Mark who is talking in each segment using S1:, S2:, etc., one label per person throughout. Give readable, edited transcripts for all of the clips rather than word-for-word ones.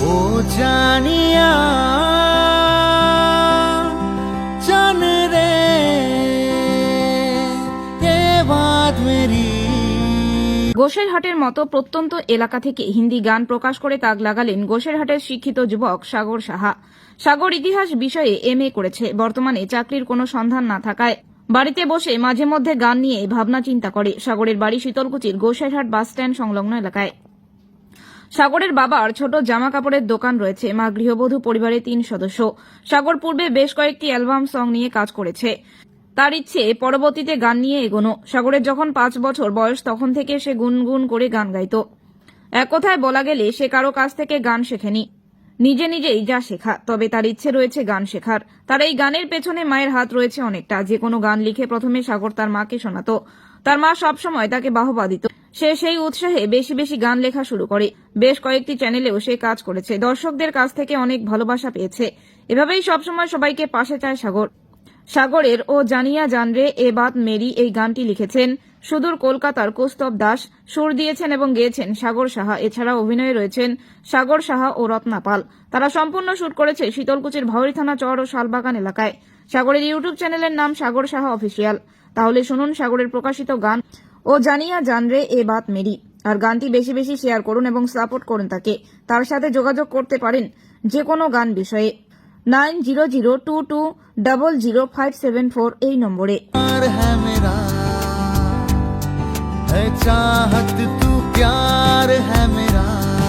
S1: ओ जानिया जान रे ये बात मेरी।
S2: গোসেরহাটের মতো প্রত্যন্ত এলাকা থেকে হিন্দি গান প্রকাশ করে তাক লাগালেন গোসেরহাটের শিক্ষিত যুবক সাগর সাহা। সাগর ইতিহাস বিষয়ে এমএ করেছে। বর্তমানে চাকরির কোনো সন্ধান না থাকায় বাড়িতে বসে মাঝে মধ্যে গান নিয়ে ভাবনা চিন্তা করে। সাগরের বাড়ি শীতলকুচির গোসেরহাট বাসস্ট্যান্ড সংলগ্ন এলাকায়। সাগরের বাবার ছোট জামা কাপড়ের দোকান রয়েছে। মা গৃহবধূ, পরিবারের 3 সদস্য। সাগর পূর্বে বেশ কয়েকটি অ্যালবাম সং নিয়ে কাজ করেছে। তার ইচ্ছে পরবর্তীতে গান নিয়ে এগোনো। সাগরের যখন 5 বছর বয়স তখন থেকে সে গুনগুন করে গান গাইত। এক কথায় বলা গেলে সে কারো কাছ থেকে গান শেখেনি, নিজে নিজেই যা শেখা। তবে তার ইচ্ছে রয়েছে গান শেখার। তার এই গানের পেছনে মায়ের হাত রয়েছে অনেকটা। যে কোনো গান লিখে প্রথমে সাগর তার মাকে শোনাত। তার মা সবসময় তাকে বাহবা দিত। সে সেই উৎসাহে বেশি বেশি গান লেখা শুরু করে। বেশ কয়েকটি চ্যানেলেও সে কাজ করেছে। দর্শকদের কাছ থেকে অনেক ভালোবাসা পেয়েছে। এভাবেই সবসময় সবাইকে পাশে চায় সাগর। সাগরের ও জানিয়া জানরে এ বাত মেরি এই গানটি লিখেছেন সুদূর কলকাতার কৌস্তব দাস, সুর দিয়েছেন এবং গেয়েছেন সাগর সাহা। এছাড়া অভিনয়ে রয়েছেন সাগর সাহা ও রত্না পাল। তারা সম্পূর্ণ শুট করেছে শীতলকুচির ভাওরি থানা চর ও শালবাগান এলাকায়। সাগরের ইউটিউব চ্যানেলের নাম সাগর সাহা অফিসিয়াল। তাহলে শুনুন সাগরের প্রকাশিত গান ও জানিয়া জানরে এ বাত মেরি। আর গানটি বেশি বেশি শেয়ার করুন এবং সাপোর্ট করুন তাকে। তার সাথে যোগাযোগ করতে পারেন যে কোনো গান বিষয়ে 9002200574 এই নম্বরে।
S1: प्यार है मेरा है चाहत तू प्यार है मेरा।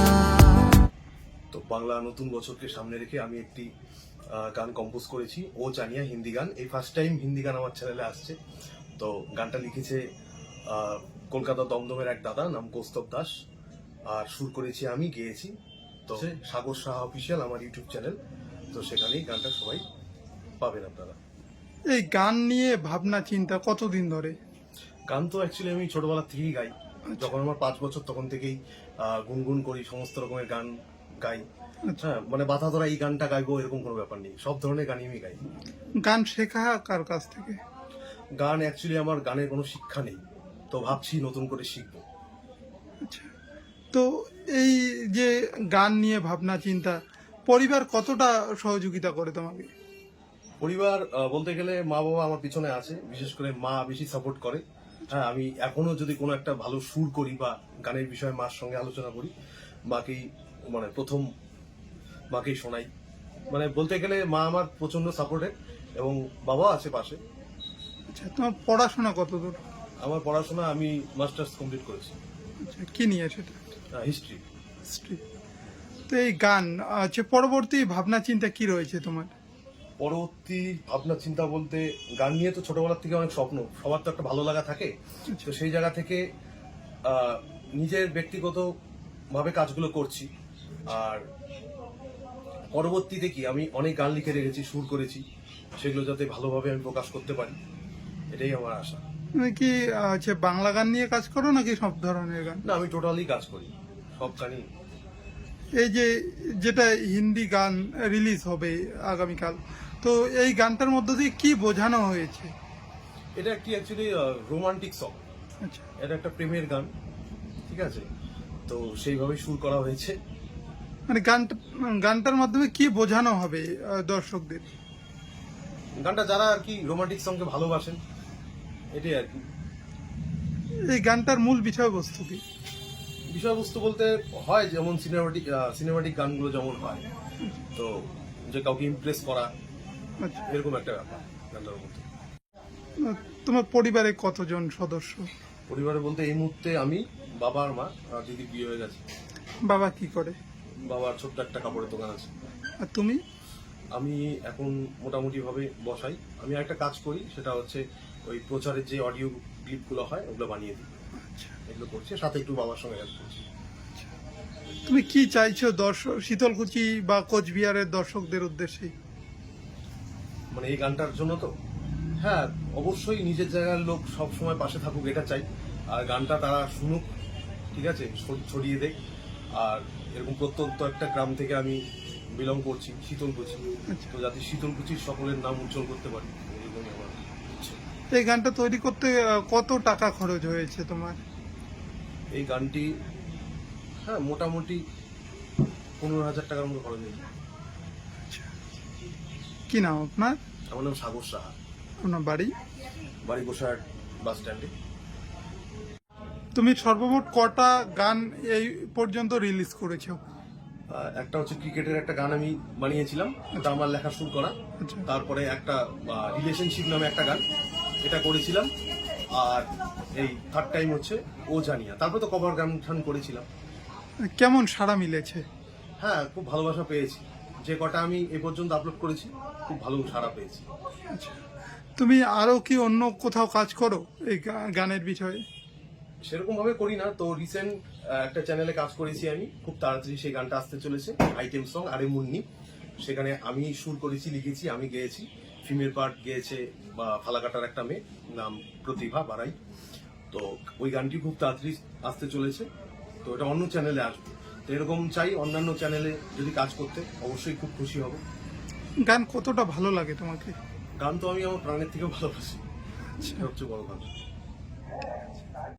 S3: তো বাংলা নতুন বছরকে সামনে রেখে আমি একটি গান কম্পোজ করেছি, ও জানিয়া, হিন্দি গান। এই ফার্স্ট টাইম হিন্দি গান আমার চ্যানেলে আসছে। তো গানটা লিখেছে কলকাতা দমদমের এক দাদা, নাম কৌস্তব দাস। আর সুর করেছি আমি, গেয়েছি। তো সাগর সাহা অফিসিয়াল আমার ইউটিউব চ্যানেল। তো সেখানেই গানটা সবাই পাবেন আপনারা।
S4: এই গান নিয়ে ভাবনা চিন্তা কতদিন ধরে?
S3: গান তো অ্যাকচুয়ালি আমি ছোটবেলা থেকেই গাই। যখন আমার 5 বছর তখন থেকেই গুনগুন করি, সমস্ত রকমের গান গাই। হ্যাঁ, মানে বাধা ধরা এই গানটা গাইবো এরকম কোনো ব্যাপার নেই, সব ধরনের গানই আমি গাই।
S4: গান শেখা কার কাছ থেকে?
S3: গান অ্যাকচুয়ালি আমার গানের কোনো শিক্ষা নেই, তো ভাবছি নতুন করে শিখবো।
S4: আচ্ছা, তো এই যে গান নিয়ে ভাবনা চিন্তা, পরিবার কতটা সহযোগিতা করে তোমাকে?
S3: পরিবার বলতে গেলে মা বাবা আমার পিছনে আছে, বিশেষ করে মা বেশি সাপোর্ট করে। হ্যাঁ, আমি এখনো যদি কোনো একটা ভালো সুর করি বা গানের বিষয়ে মার সঙ্গে আলোচনা করি, মাকেই মানে প্রথম মাকেই শোনাই। মানে বলতে গেলে মা আমার প্রচন্ড সাপোর্টেড এবং বাবা আছে পাশে।
S4: আচ্ছা, তোমার পড়াশোনা কতদূর?
S3: আমার পড়াশোনা আমি মাস্টার্স কমপ্লিট করেছি।
S4: আচ্ছা, কি নিয়ে সেটা?
S3: হিস্ট্রি।
S4: হিস্ট্রি। তো এই গান পরবর্তী ভাবনা চিন্তা কি রয়েছে তোমার?
S3: পরবর্তী ভাবনা চিন্তা বলতে, গান নিয়ে তো ছোটবেলার থেকে অনেক স্বপ্ন, সবার তো একটা ভালো লাগা থাকে। তো সেই জায়গা থেকে নিজের ব্যক্তিগত ভাবে কাজগুলো করছি। আর পরবর্তীতে কি, আমি অনেক গান লিখে রেখেছি, সুর করেছি, সেগুলো যাতে ভালোভাবে আমি প্রকাশ করতে পারি, এটাই আমার আশা।
S4: তুমি কি বাংলা গান নিয়ে কাজ করো নাকি সব ধরনের গান?
S3: না, আমি টোটালি কাজ করি, সব গানই।
S4: এই যে যেটা হিন্দি গান রিলিজ হবে আগামীকাল, তো এই গানটার মধ্য দিয়ে কি বোঝানো হয়েছে?
S3: এটা একটি অ্যাকচুয়ালি রোমান্টিক সং।
S4: আচ্ছা,
S3: এটা একটা প্রেমের গান, ঠিক আছে? তো সেইভাবে সুর করা হয়েছে।
S4: মানে গানটার মাধ্যমে কি বোঝানো হবে দর্শকদের?
S3: গানটা যারা আর কি রোমান্টিক সঙ্গে ভালোবাসেন, এটাই আর কি।
S4: এই গানটার মূল বিষয়বস্তু কি?
S3: বিষয়বস্তু বলতে হয় যেমন সিনেমাটিক গানগুলো যেমন হয়, তো যে কাউকে ইমপ্রেস করা,
S4: আচ্ছা,
S3: এরকম একটা ব্যাপার গানটার মধ্যে।
S4: তোমার পরিবারে কতজন সদস্য?
S3: পরিবারে বলতে এই মুহূর্তে আমি, বাবা আর মা, আর দিদির বিয়ে হয়ে গেছে।
S4: বাবা কি করে?
S3: বাবার ছোট্ট একটা কাপড়ের দোকান আছে।
S4: আর তুমি?
S3: আমি এখন মোটামুটি ভাবে বসাই। আমি একটা কাজ করি, সেটা হচ্ছে ওই প্রচারের যে অডিও ক্লিপগুলো হয় ওগুলো বানিয়ে দিই।
S4: আচ্ছা,
S3: এগুলো করছি, সাথে একটু বাবার সঙ্গে হেল্প করছি।
S4: তুমি কি চাইছো শীতলকুচি বা কোচবিহারের দর্শকদের উদ্দেশ্যে?
S3: মানে এই গানটার জন্য তো হ্যাঁ, অবশ্যই নিজের জায়গার লোক সব সময় পাশে থাকুক, এটা চাই। আর গানটা তারা শুনুক, ঠিক আছে, ছড়িয়ে দেখ। আর এরকম প্রত্যন্ত একটা গ্রাম থেকে আমি বিলং করছি, শীতলকুচি। তো যাতে শীতলকুচির সকলের নাম উজ্জ্বল করতে পারি, এরকমই আমার ইচ্ছে।
S4: এই গানটা তৈরি করতে কত টাকা খরচ হয়েছে তোমার?
S3: এই গানটি হ্যাঁ মোটামুটি 15,000 টাকার মতো খরচ হয়েছে।
S4: কি নাম আপনার?
S3: আমার নাম সাগর সাহা,
S4: আপনার বাড়ি?
S3: বাড়ি গোসাইহাট বাস স্ট্যান্ডে।
S4: তুমি সর্বমোট কটা গান এই পর্যন্ত রিলিজ করেছো?
S3: একটা হচ্ছে ক্রিকেটের একটা গান আমি বানিয়েছিলাম, এটা আমার লেখা শুরু করা।
S4: আচ্ছা।
S3: তারপরে একটা রিলেশনশিপ নামে একটা গান, এটা করেছিলাম। আর এই থার্ড টাইম হচ্ছে ও জানিয়া। তারপরে তো কভার গান টান করেছিলাম।
S4: কেমন সাড়া মিলেছে?
S3: হ্যাঁ, খুব ভালোবাসা পেয়েছি। যে কটা আমি এ পর্যন্ত আপলোড করেছি খুব ভালো সাড়া পেয়েছি।
S4: আচ্ছা, তুমি আরো কি অন্য কোথাও কাজ করো এই গানের বিষয়ে?
S3: সেরকম ভাবে করি না, তো রিসেন্ট একটা চ্যানেলে কাজ করেছি আমি, খুব তাড়াতাড়ি সেই গানটা আসতে চলেছে, আইটেম সং আরে মুন্নি। সেখানে আমি সুর করেছি, লিখেছি, আমি গেয়েছি। ফিমেল পার্ট গেয়েছে ফালাকাটার একটা মেয়ে, নাম প্রতিভা বারাই। তো ওই গানটি খুব তাড়াতাড়ি আসতে চলেছে, তো এটা অন্য চ্যানেলে আসবে। তো এরকম চাই অন্যান্য চ্যানেলে যদি কাজ করতে, অবশ্যই খুব খুশি হব।
S4: গান কতটা ভালো লাগে তোমাকে?
S3: গান তো আমি আমার প্রাণের থেকে ভালোবাসি, এটা হচ্ছে বড় কথা।